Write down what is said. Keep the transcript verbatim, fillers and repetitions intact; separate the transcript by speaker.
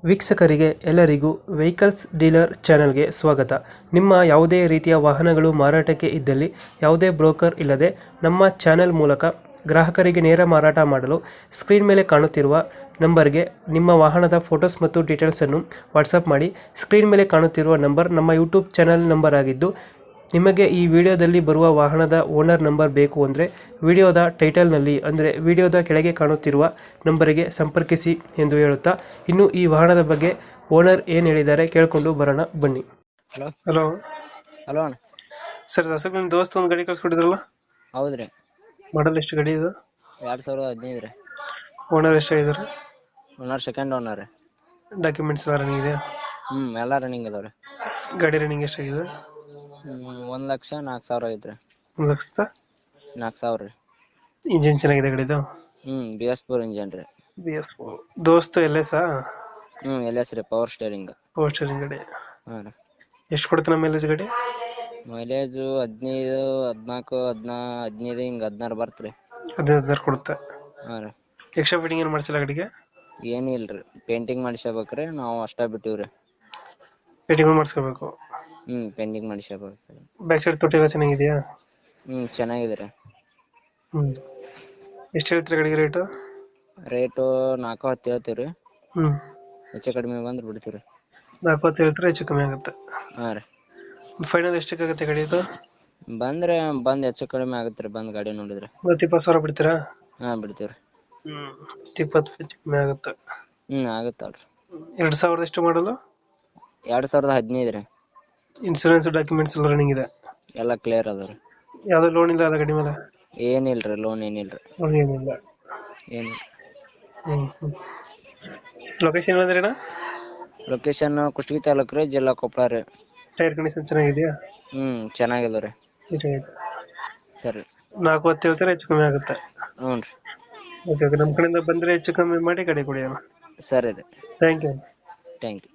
Speaker 1: ವೀಕ್ಷಕರಿಗೆ ಎಲ್ಲರಿಗೂ vehicles dealer ಚಾನೆಲ್ಗೆ ಸ್ವಾಗತ. ನಿಮ್ಮ ಯಾವುದೇ ರೀತಿಯ ವಾಹನಗಳು ಮಾರಾಟಕ್ಕೆ ಇದ್ದಲ್ಲಿ ಯಾವುದೇ ಬ್ರೋಕರ್ ಇಲ್ಲದೆ ನಮ್ಮ ಚಾನೆಲ್ ಮೂಲಕ ಗ್ರಾಹಕರಿಗೆ ನೇರ ಮಾರಾಟ ಮಾಡಲು ಸ್ಕ್ರೀನ್ ಮೇಲೆ ಕಾಣುತ್ತಿರುವ ನಂಬರ್ಗೆ ನಿಮ್ಮ ವಾಹನದ ಫೋಟೋಸ್ ಮತ್ತು ಡೀಟೇಲ್ಸನ್ನು ವಾಟ್ಸಪ್ ಮಾಡಿ. ಸ್ಕ್ರೀನ್ ಮೇಲೆ ಕಾಣುತ್ತಿರುವ ನಂಬರ್ ನಮ್ಮ ಯೂಟ್ಯೂಬ್ ಚಾನೆಲ್ ನಂಬರ್ ಆಗಿದ್ದು, ನಿಮಗೆ ಈ ವಿಡಿಯೋದಲ್ಲಿ ಬರುವ ವಾಹನದ ಓನರ್ ನಂಬರ್ ಬೇಕು ಅಂದರೆ ವಿಡಿಯೋದ ಟೈಟಲ್ನಲ್ಲಿ ಅಂದರೆ ವಿಡಿಯೋದ ಕೆಳಗೆ ಕಾಣುತ್ತಿರುವ ನಂಬರಿಗೆ ಸಂಪರ್ಕಿಸಿ ಎಂದು ಹೇಳುತ್ತಾ, ಇನ್ನು ಈ ವಾಹನದ ಬಗ್ಗೆ ಓನರ್ ಏನು ಹೇಳಿದ್ದಾರೆ ಕೇಳಿಕೊಂಡು ಬರೋಣ ಬನ್ನಿ.
Speaker 2: ಹಲೋ
Speaker 1: ಹಲೋ
Speaker 2: ಹಲೋ ಅಣ್ಣ.
Speaker 1: ಸರ್, ದಸಕ್ ನಿಮ್ಮ ದೋಸ್ತ ಒಂದು ಗಾಡಿ ಕಳ್ಸ್ಕೊಟ್ಟಿದ್ರಲ್ಲ,
Speaker 2: ಹೌದ್ರಿ.
Speaker 1: ಮಾಡಲ್ ಎಷ್ಟು ಗಾಡಿ ಇದು?
Speaker 2: ಎರಡ್ ಸಾವಿರದ ಹದಿನೈದು ರೀ.
Speaker 1: ಓನರ್ ಎಷ್ಟಾಗಿದ್ದಾರೆ?
Speaker 2: ಓನರ್ ಸೆಕೆಂಡ್ ಓನರ್ ರೀ.
Speaker 1: ಡಾಕ್ಯುಮೆಂಟ್ಸ್ ಎಲ್ಲ ರನ್ನಿಂಗ್ ಇದೆ?
Speaker 2: ಹ್ಮ್ ಎಲ್ಲಾ ರನ್ನಿಂಗ್ ಅದಾವ್ರಿ.
Speaker 1: ಗಾಡಿ ರನ್ನಿಂಗ್ ಎಷ್ಟಾಗಿದೆ?
Speaker 2: ಹ್ಮ್ ಒಂದ್ ಲಕ್ಷ ನಾಲ್ಕು ಸಾವಿರ ಐತ್ರಿ.
Speaker 1: ಒಂದು ಲಕ್ಷದ
Speaker 2: ನಾಲ್ಕು ಸಾವಿರ ರೀ.
Speaker 1: ಇಂಜಿನ್ ಚೆನ್ನಾಗಿದೆ ಗಾಡಿದು?
Speaker 2: ಹ್ಮ್ ಬಿ ಎಸ್ ಫೋರ್ ಇಂಜನ್ ರೀ.
Speaker 1: ಬಿ ಎಸ್ ದೋಸ್ತು ಎಲ್ ಎಸ್
Speaker 2: ಹ್ಮ್ ಎಲ್ ಎಸ್ ರೀ, ಪವರ್ ಸ್ಟೇರಿಂಗ್.
Speaker 1: ಪವರ್ ಸ್ಟೇರಿಂಗ್ ಗಾಡಿ.
Speaker 2: ಹಾ ರೀ.
Speaker 1: ಎಷ್ಟು ಕೊಡುತ್ತೆ ನಮ್ಮ ಮೈಲೇಜ್ ಗಾಡಿ?
Speaker 2: ಮೈಲೇಜು ಹದಿನೈದು ಹದಿನಾಲ್ಕು ಹದಿನಾ ಹದಿನೈದು ಹಿಂಗ ಹದಿನಾರು ಬರ್ತ್ರಿ.
Speaker 1: ಹದಿನೈದು ಹದಿನಾರು ಕೊಡುತ್ತೆ.
Speaker 2: ಹಾ ರೀ.
Speaker 1: ಎಕ್ಸ್ಟ್ರಾ ಫಿಟ್ಟಿಂಗ್ ಏನು ಮಾಡಿಸಿಲ್ಲ ಗಾಡಿಗೆ?
Speaker 2: ಏನ್ ಇಲ್ರಿ, ಪೇಂಟಿಂಗ್ ಮಾಡಿಸ್ಬೇಕ್ರಿ, ನಾವು ಅಷ್ಟ ಬಿಟ್ಟಿವ್ರಿ.
Speaker 1: ಫಿಟ್ಟಿಂಗ್ ಮಾಡಿಸ್ಕೋಬೇಕು.
Speaker 2: ಹ್ಮ್ ಪೇಂಟಿಂಗ್ ಮಾಡಿಸ್ಬೇಕ್ರಿ.
Speaker 1: ಬ್ಯಾಕ್ ಸೈಡ್ ತೊಟ್ಟಿ ಎಲ್ಲ ಚೆನ್ನಾಗಿದೆಯಾ?
Speaker 2: ಹ್ಮ್ ಚೆನ್ನಾಗಿದೆ ರೀ.
Speaker 1: ಹ್ಮ್ ಎಷ್ಟು ಹೇಳ್ತೀರಿ ಗಾಡಿಗೆ ರೇಟು?
Speaker 2: ರೇಟು ನಾಲ್ಕು ಹತ್ತು ಹೇಳ್ತೀವ್ರಿ.
Speaker 1: ಹ್ಮ್
Speaker 2: ಹೆಚ್ಚು ಕಡಿಮೆ ಬಂದ್ರೆ ಬಿಡ್ತೀವ್ರಿ.
Speaker 1: ನಾಲ್ಕು ಹೊತ್ತು ಹೇಳ್ತಾರೆ, ಹೆಚ್ಚು ಕಮ್ಮಿ ಆಗುತ್ತೆ.
Speaker 2: ಹಾ ರೀ.
Speaker 1: ಫೈನಲ್ ಎಷ್ಟಕ್ಕಾಗುತ್ತೆ ಗಾಡಿ ಇದು?
Speaker 2: ಬಂದ್ರೆ ಬಂದ್ ಹೆಚ್ಚು ಕಡಿಮೆ ಆಗತ್ರಿ, ಬಂದ್ ಗಾಡಿ ನೋಡಿದ್ರೆ.
Speaker 1: ಇವತ್ತು ಇಪ್ಪತ್ತು ಸಾವಿರ ಬಿಡ್ತೀರಾ?
Speaker 2: ಹಾ ಬಿಡ್ತೀವ್ರಿ.
Speaker 1: ಹ್ಮ್ ಇಪ್ಪತ್ತು ಹೆಚ್ಚು ಕಮ್ಮಿ ಆಗುತ್ತೆ.
Speaker 2: ಹ್ಮ್ ಆಗತ್ತಲ್ರಿ.
Speaker 1: ಎರಡು ಸಾವಿರದ ಎಷ್ಟು ಮಾಡಲು?
Speaker 2: ಎರಡ್ ಸಾವಿರದ ಹದಿನೈದು ರೀ.
Speaker 1: ಇನ್ಸೂರೆನ್ಸ್ ಡಾಕ್ಯುಮೆಂಟ್ಸ್ ಎಲ್ಲ ರನ್ನಿಂಗ್ ಇದೆ?
Speaker 2: ಎಲ್ಲ ಕ್ಲಿಯರ್ ಅದ ರೀ.
Speaker 1: ಯಾವ್ದು ಲೋನ್ ಇಲ್ಲ ಅಲ್ಲ ಗಾಡಿ ಮೇಲೆ?
Speaker 2: ಏನಿಲ್ರಿ, ಲೋನ್ ಏನಿಲ್ರಿ.
Speaker 1: ಲೋನ್ ಏನಿಲ್ಲ.
Speaker 2: ಏನಿಲ್ಲ.
Speaker 1: ಹ್ಮ್ ಹ್ಮ್ ಲೊಕೇಶನ್ ಅಂದ್ರೆ?
Speaker 2: ಲೊಕೇಶನ್ ಕುಷ್ಟಗಿ ತಾಲೂಕು ರೀ, ಜಿಲ್ಲಾ ಕೊಪ್ಪಳ ರೀ.
Speaker 1: ಟೈರ್ ಕಂಡೀಷನ್ ಚೆನ್ನಾಗಿದೆಯಾ?
Speaker 2: ಹ್ಮ್ ಚೆನ್ನಾಗಿದೆ ರೀ. ಸರಿ.
Speaker 1: ನಾಲ್ಕು ಹೊತ್ತು ಹೇಳ್ತಾರೆ, ಹೆಚ್ಚು ಕಮ್ಮಿ ಆಗುತ್ತೆ.
Speaker 2: ಹ್ಞೂ ರೀ.
Speaker 1: ಓಕೆ ಓಕೆ, ನಮ್ಮ ಕಡೆಯಿಂದ ಬಂದರೆ ಹೆಚ್ಚು ಕಮ್ಮಿ ಮಾಡಿ ಗಾಡಿ ಕೊಡಿ ಅಣ್ಣ.
Speaker 2: ಸರಿ ರೀ.
Speaker 1: Thank you.
Speaker 2: Thank you.